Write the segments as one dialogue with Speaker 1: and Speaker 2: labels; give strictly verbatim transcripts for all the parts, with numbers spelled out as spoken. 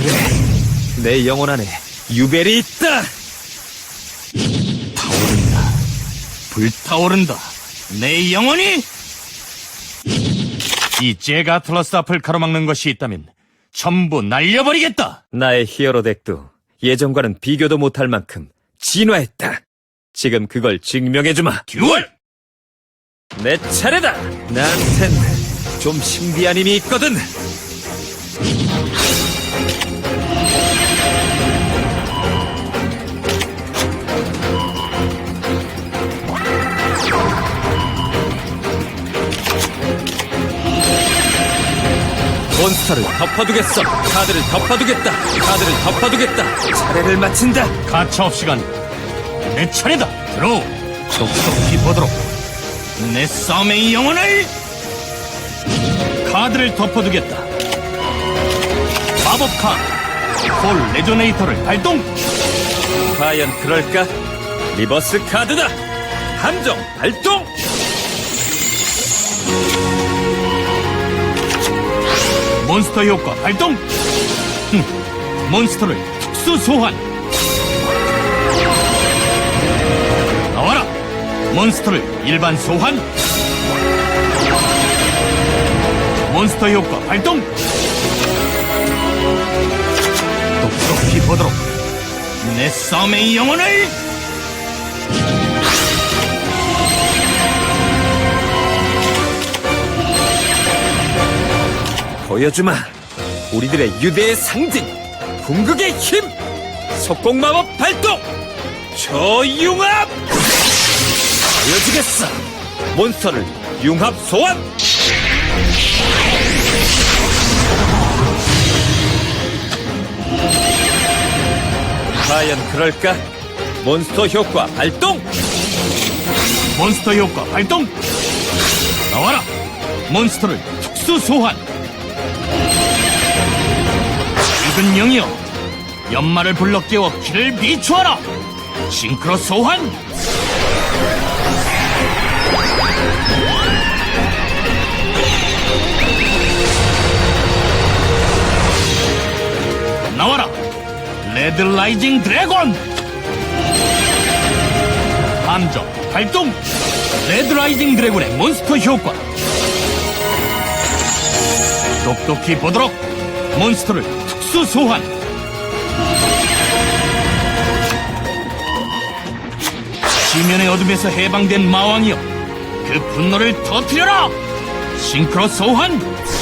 Speaker 1: 내 영혼 안에 유벨이 있다!
Speaker 2: 타오른다. 불타오른다. 내 영혼이! 이 제가틀러스 앞을 가로막는 것이 있다면 전부 날려버리겠다!
Speaker 1: 나의 히어로 덱도 예전과는 비교도 못할 만큼 진화했다. 지금 그걸 증명해주마.
Speaker 2: 듀얼!
Speaker 1: 내 차례다! 나한텐 좀 신비한 힘이 있거든! 몬스터를 덮어두겠어! 카드를 덮어두겠다! 카드를 덮어두겠다! 차례를 마친다!
Speaker 2: 가차없이 간다. 내 차례다. 들어오. 똑똑히 보도록. 내 싸움의 영혼을 카드를 덮어두겠다. 마법 카드 콜 레조네이터를 발동.
Speaker 1: 과연 그럴까? 리버스 카드다! 함정 발동!
Speaker 2: 몬스터 효과 발동. 흠, 몬스터를 특수 소환. 나와라. 몬스터를 일반 소환. 몬스터 효과 발동. 똑똑히 보도록. 내 싸움의 영혼을
Speaker 1: 보여주마! 우리들의 유대의 상징! 궁극의 힘! 속공마법 발동! 저융합! 보여주겠어! 몬스터를 융합 소환! 과연 그럴까? 몬스터 효과 발동!
Speaker 2: 몬스터 효과 발동. 나와라. 몬스터를 특수 소환. 작은 영이여, 연마를 불러 깨워 길을 비추어라. 싱크로 소환. 나와라. 레드 라이징 드래곤. 함정 발동. 레드 라이징 드래곤의 몬스터 효과. 똑똑히 보도록. 몬스터를 특수 소환. 지면의 어둠에서 해방된 마왕이여, 그 분노를 터뜨려라. 싱크로 소환.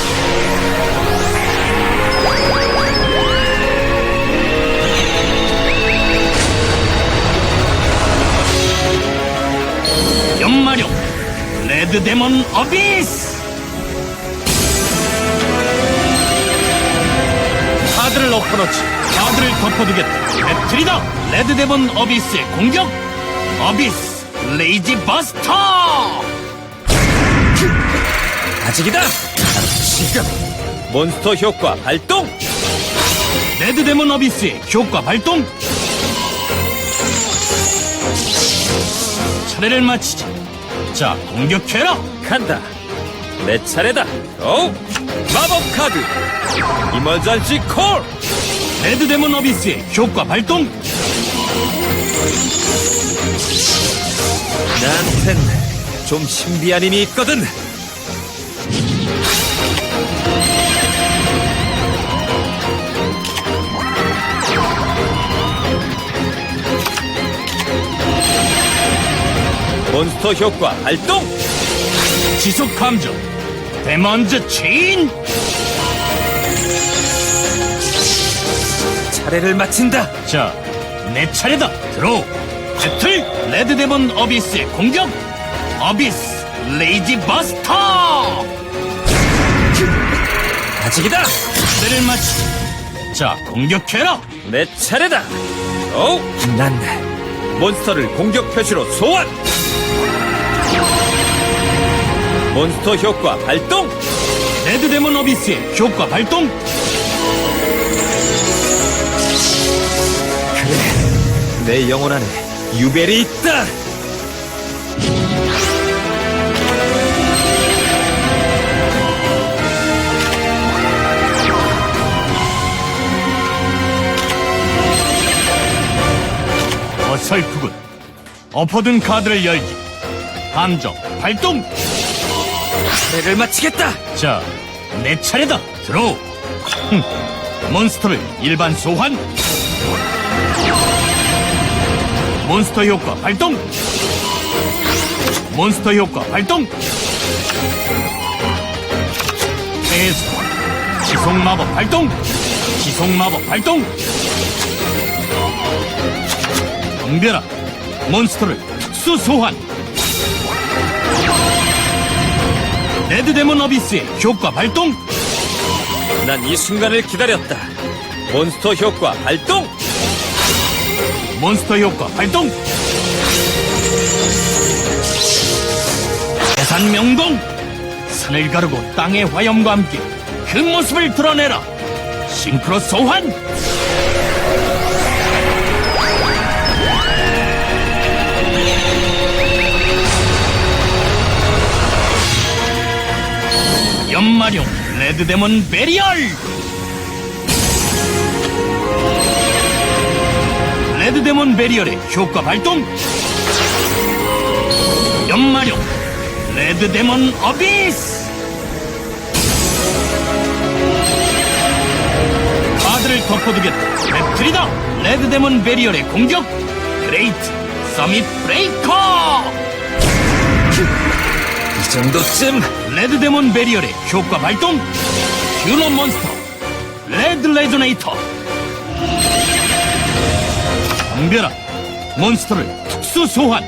Speaker 2: 연마력 레드 데몬 어비스. 카드를 엎어놓지. 카드를 덮어두겠다. 배틀이다. 레드 데몬 어비스의 공격. 어비스 레이지 버스터.
Speaker 1: 아직이다! 지금! 몬스터 효과 발동!
Speaker 2: 레드 데몬 어비스의 효과 발동. 차례를 마치지. 자, 공격해라.
Speaker 1: 간다! 내 차례다! 오! 마법 카드! 이머전시 콜!
Speaker 2: 레드 데몬 어비스의 효과 발동.
Speaker 1: 나한텐 좀 신비한 힘이 있거든! 몬스터 효과 발동!
Speaker 2: 지속 감정 데몬즈 체인.
Speaker 1: 차례를 마친다!
Speaker 2: 자, 내 차례다. 들어오. 배틀 레드 데몬 어비스의 공격. 어비스 레이지 버스터.
Speaker 1: 아직이다!
Speaker 2: 차례를 마치지. 자, 공격해라.
Speaker 1: 내 차례다! 오! 난 몬스터를 공격 표시로 소환! 몬스터 효과 발동!
Speaker 2: 레드 데몬 어비스의 효과 발동.
Speaker 1: 그래, 내 영혼 안에 유벨이 있다!
Speaker 2: 어설프군. 엎어둔 카드를 열기. 함정 발동.
Speaker 1: 배를 마치겠다.
Speaker 2: 자, 내 차례다. 들어오. 흠. 몬스터를 일반 소환. 몬스터 효과 발동. 몬스터 효과 발동. 패스. 지속 마법 발동. 지속 마법 발동. 덤벼라. 몬스터를 특수 소환. 레드데몬 어비스의 효과 발동.
Speaker 1: 난 이 순간을 기다렸다. 몬스터 효과 발동.
Speaker 2: 몬스터 효과 발동. 대산 명공. 산을 가르고 땅의 화염과 함께 그 모습을 드러내라. 싱크로 소환. 연마룡 레드데몬 베리얼. 레드데몬 베리얼의 효과 발동. 연마룡 레드데몬 어비스. 카드를 덮어두겠다. 배틀이다. 레드데몬 베리얼의 공격. 그레이트 서밋 브레이커.
Speaker 1: 이 정도쯤.
Speaker 2: 레드데몬 베리얼의 효과 발동. 큐너 몬스터 레드 레조네이터. 덤벼라. 몬스터를 특수 소환.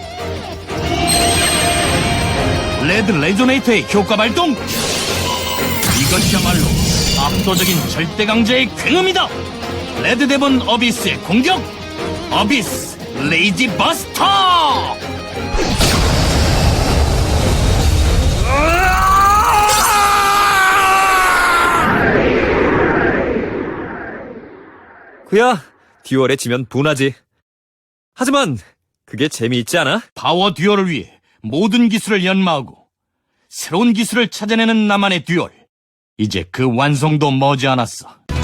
Speaker 2: 레드 레조네이터의 효과 발동. 이것이야말로 압도적인 절대 강자의 굉음이다. 레드데몬 어비스의 공격. 어비스 레이지 버스터.
Speaker 1: 그야 듀얼에 지면 분하지. 하지만 그게 재미있지 않아?
Speaker 2: 파워 듀얼을 위해 모든 기술을 연마하고 새로운 기술을 찾아내는 나만의 듀얼. 이제 그 완성도 머지않았어.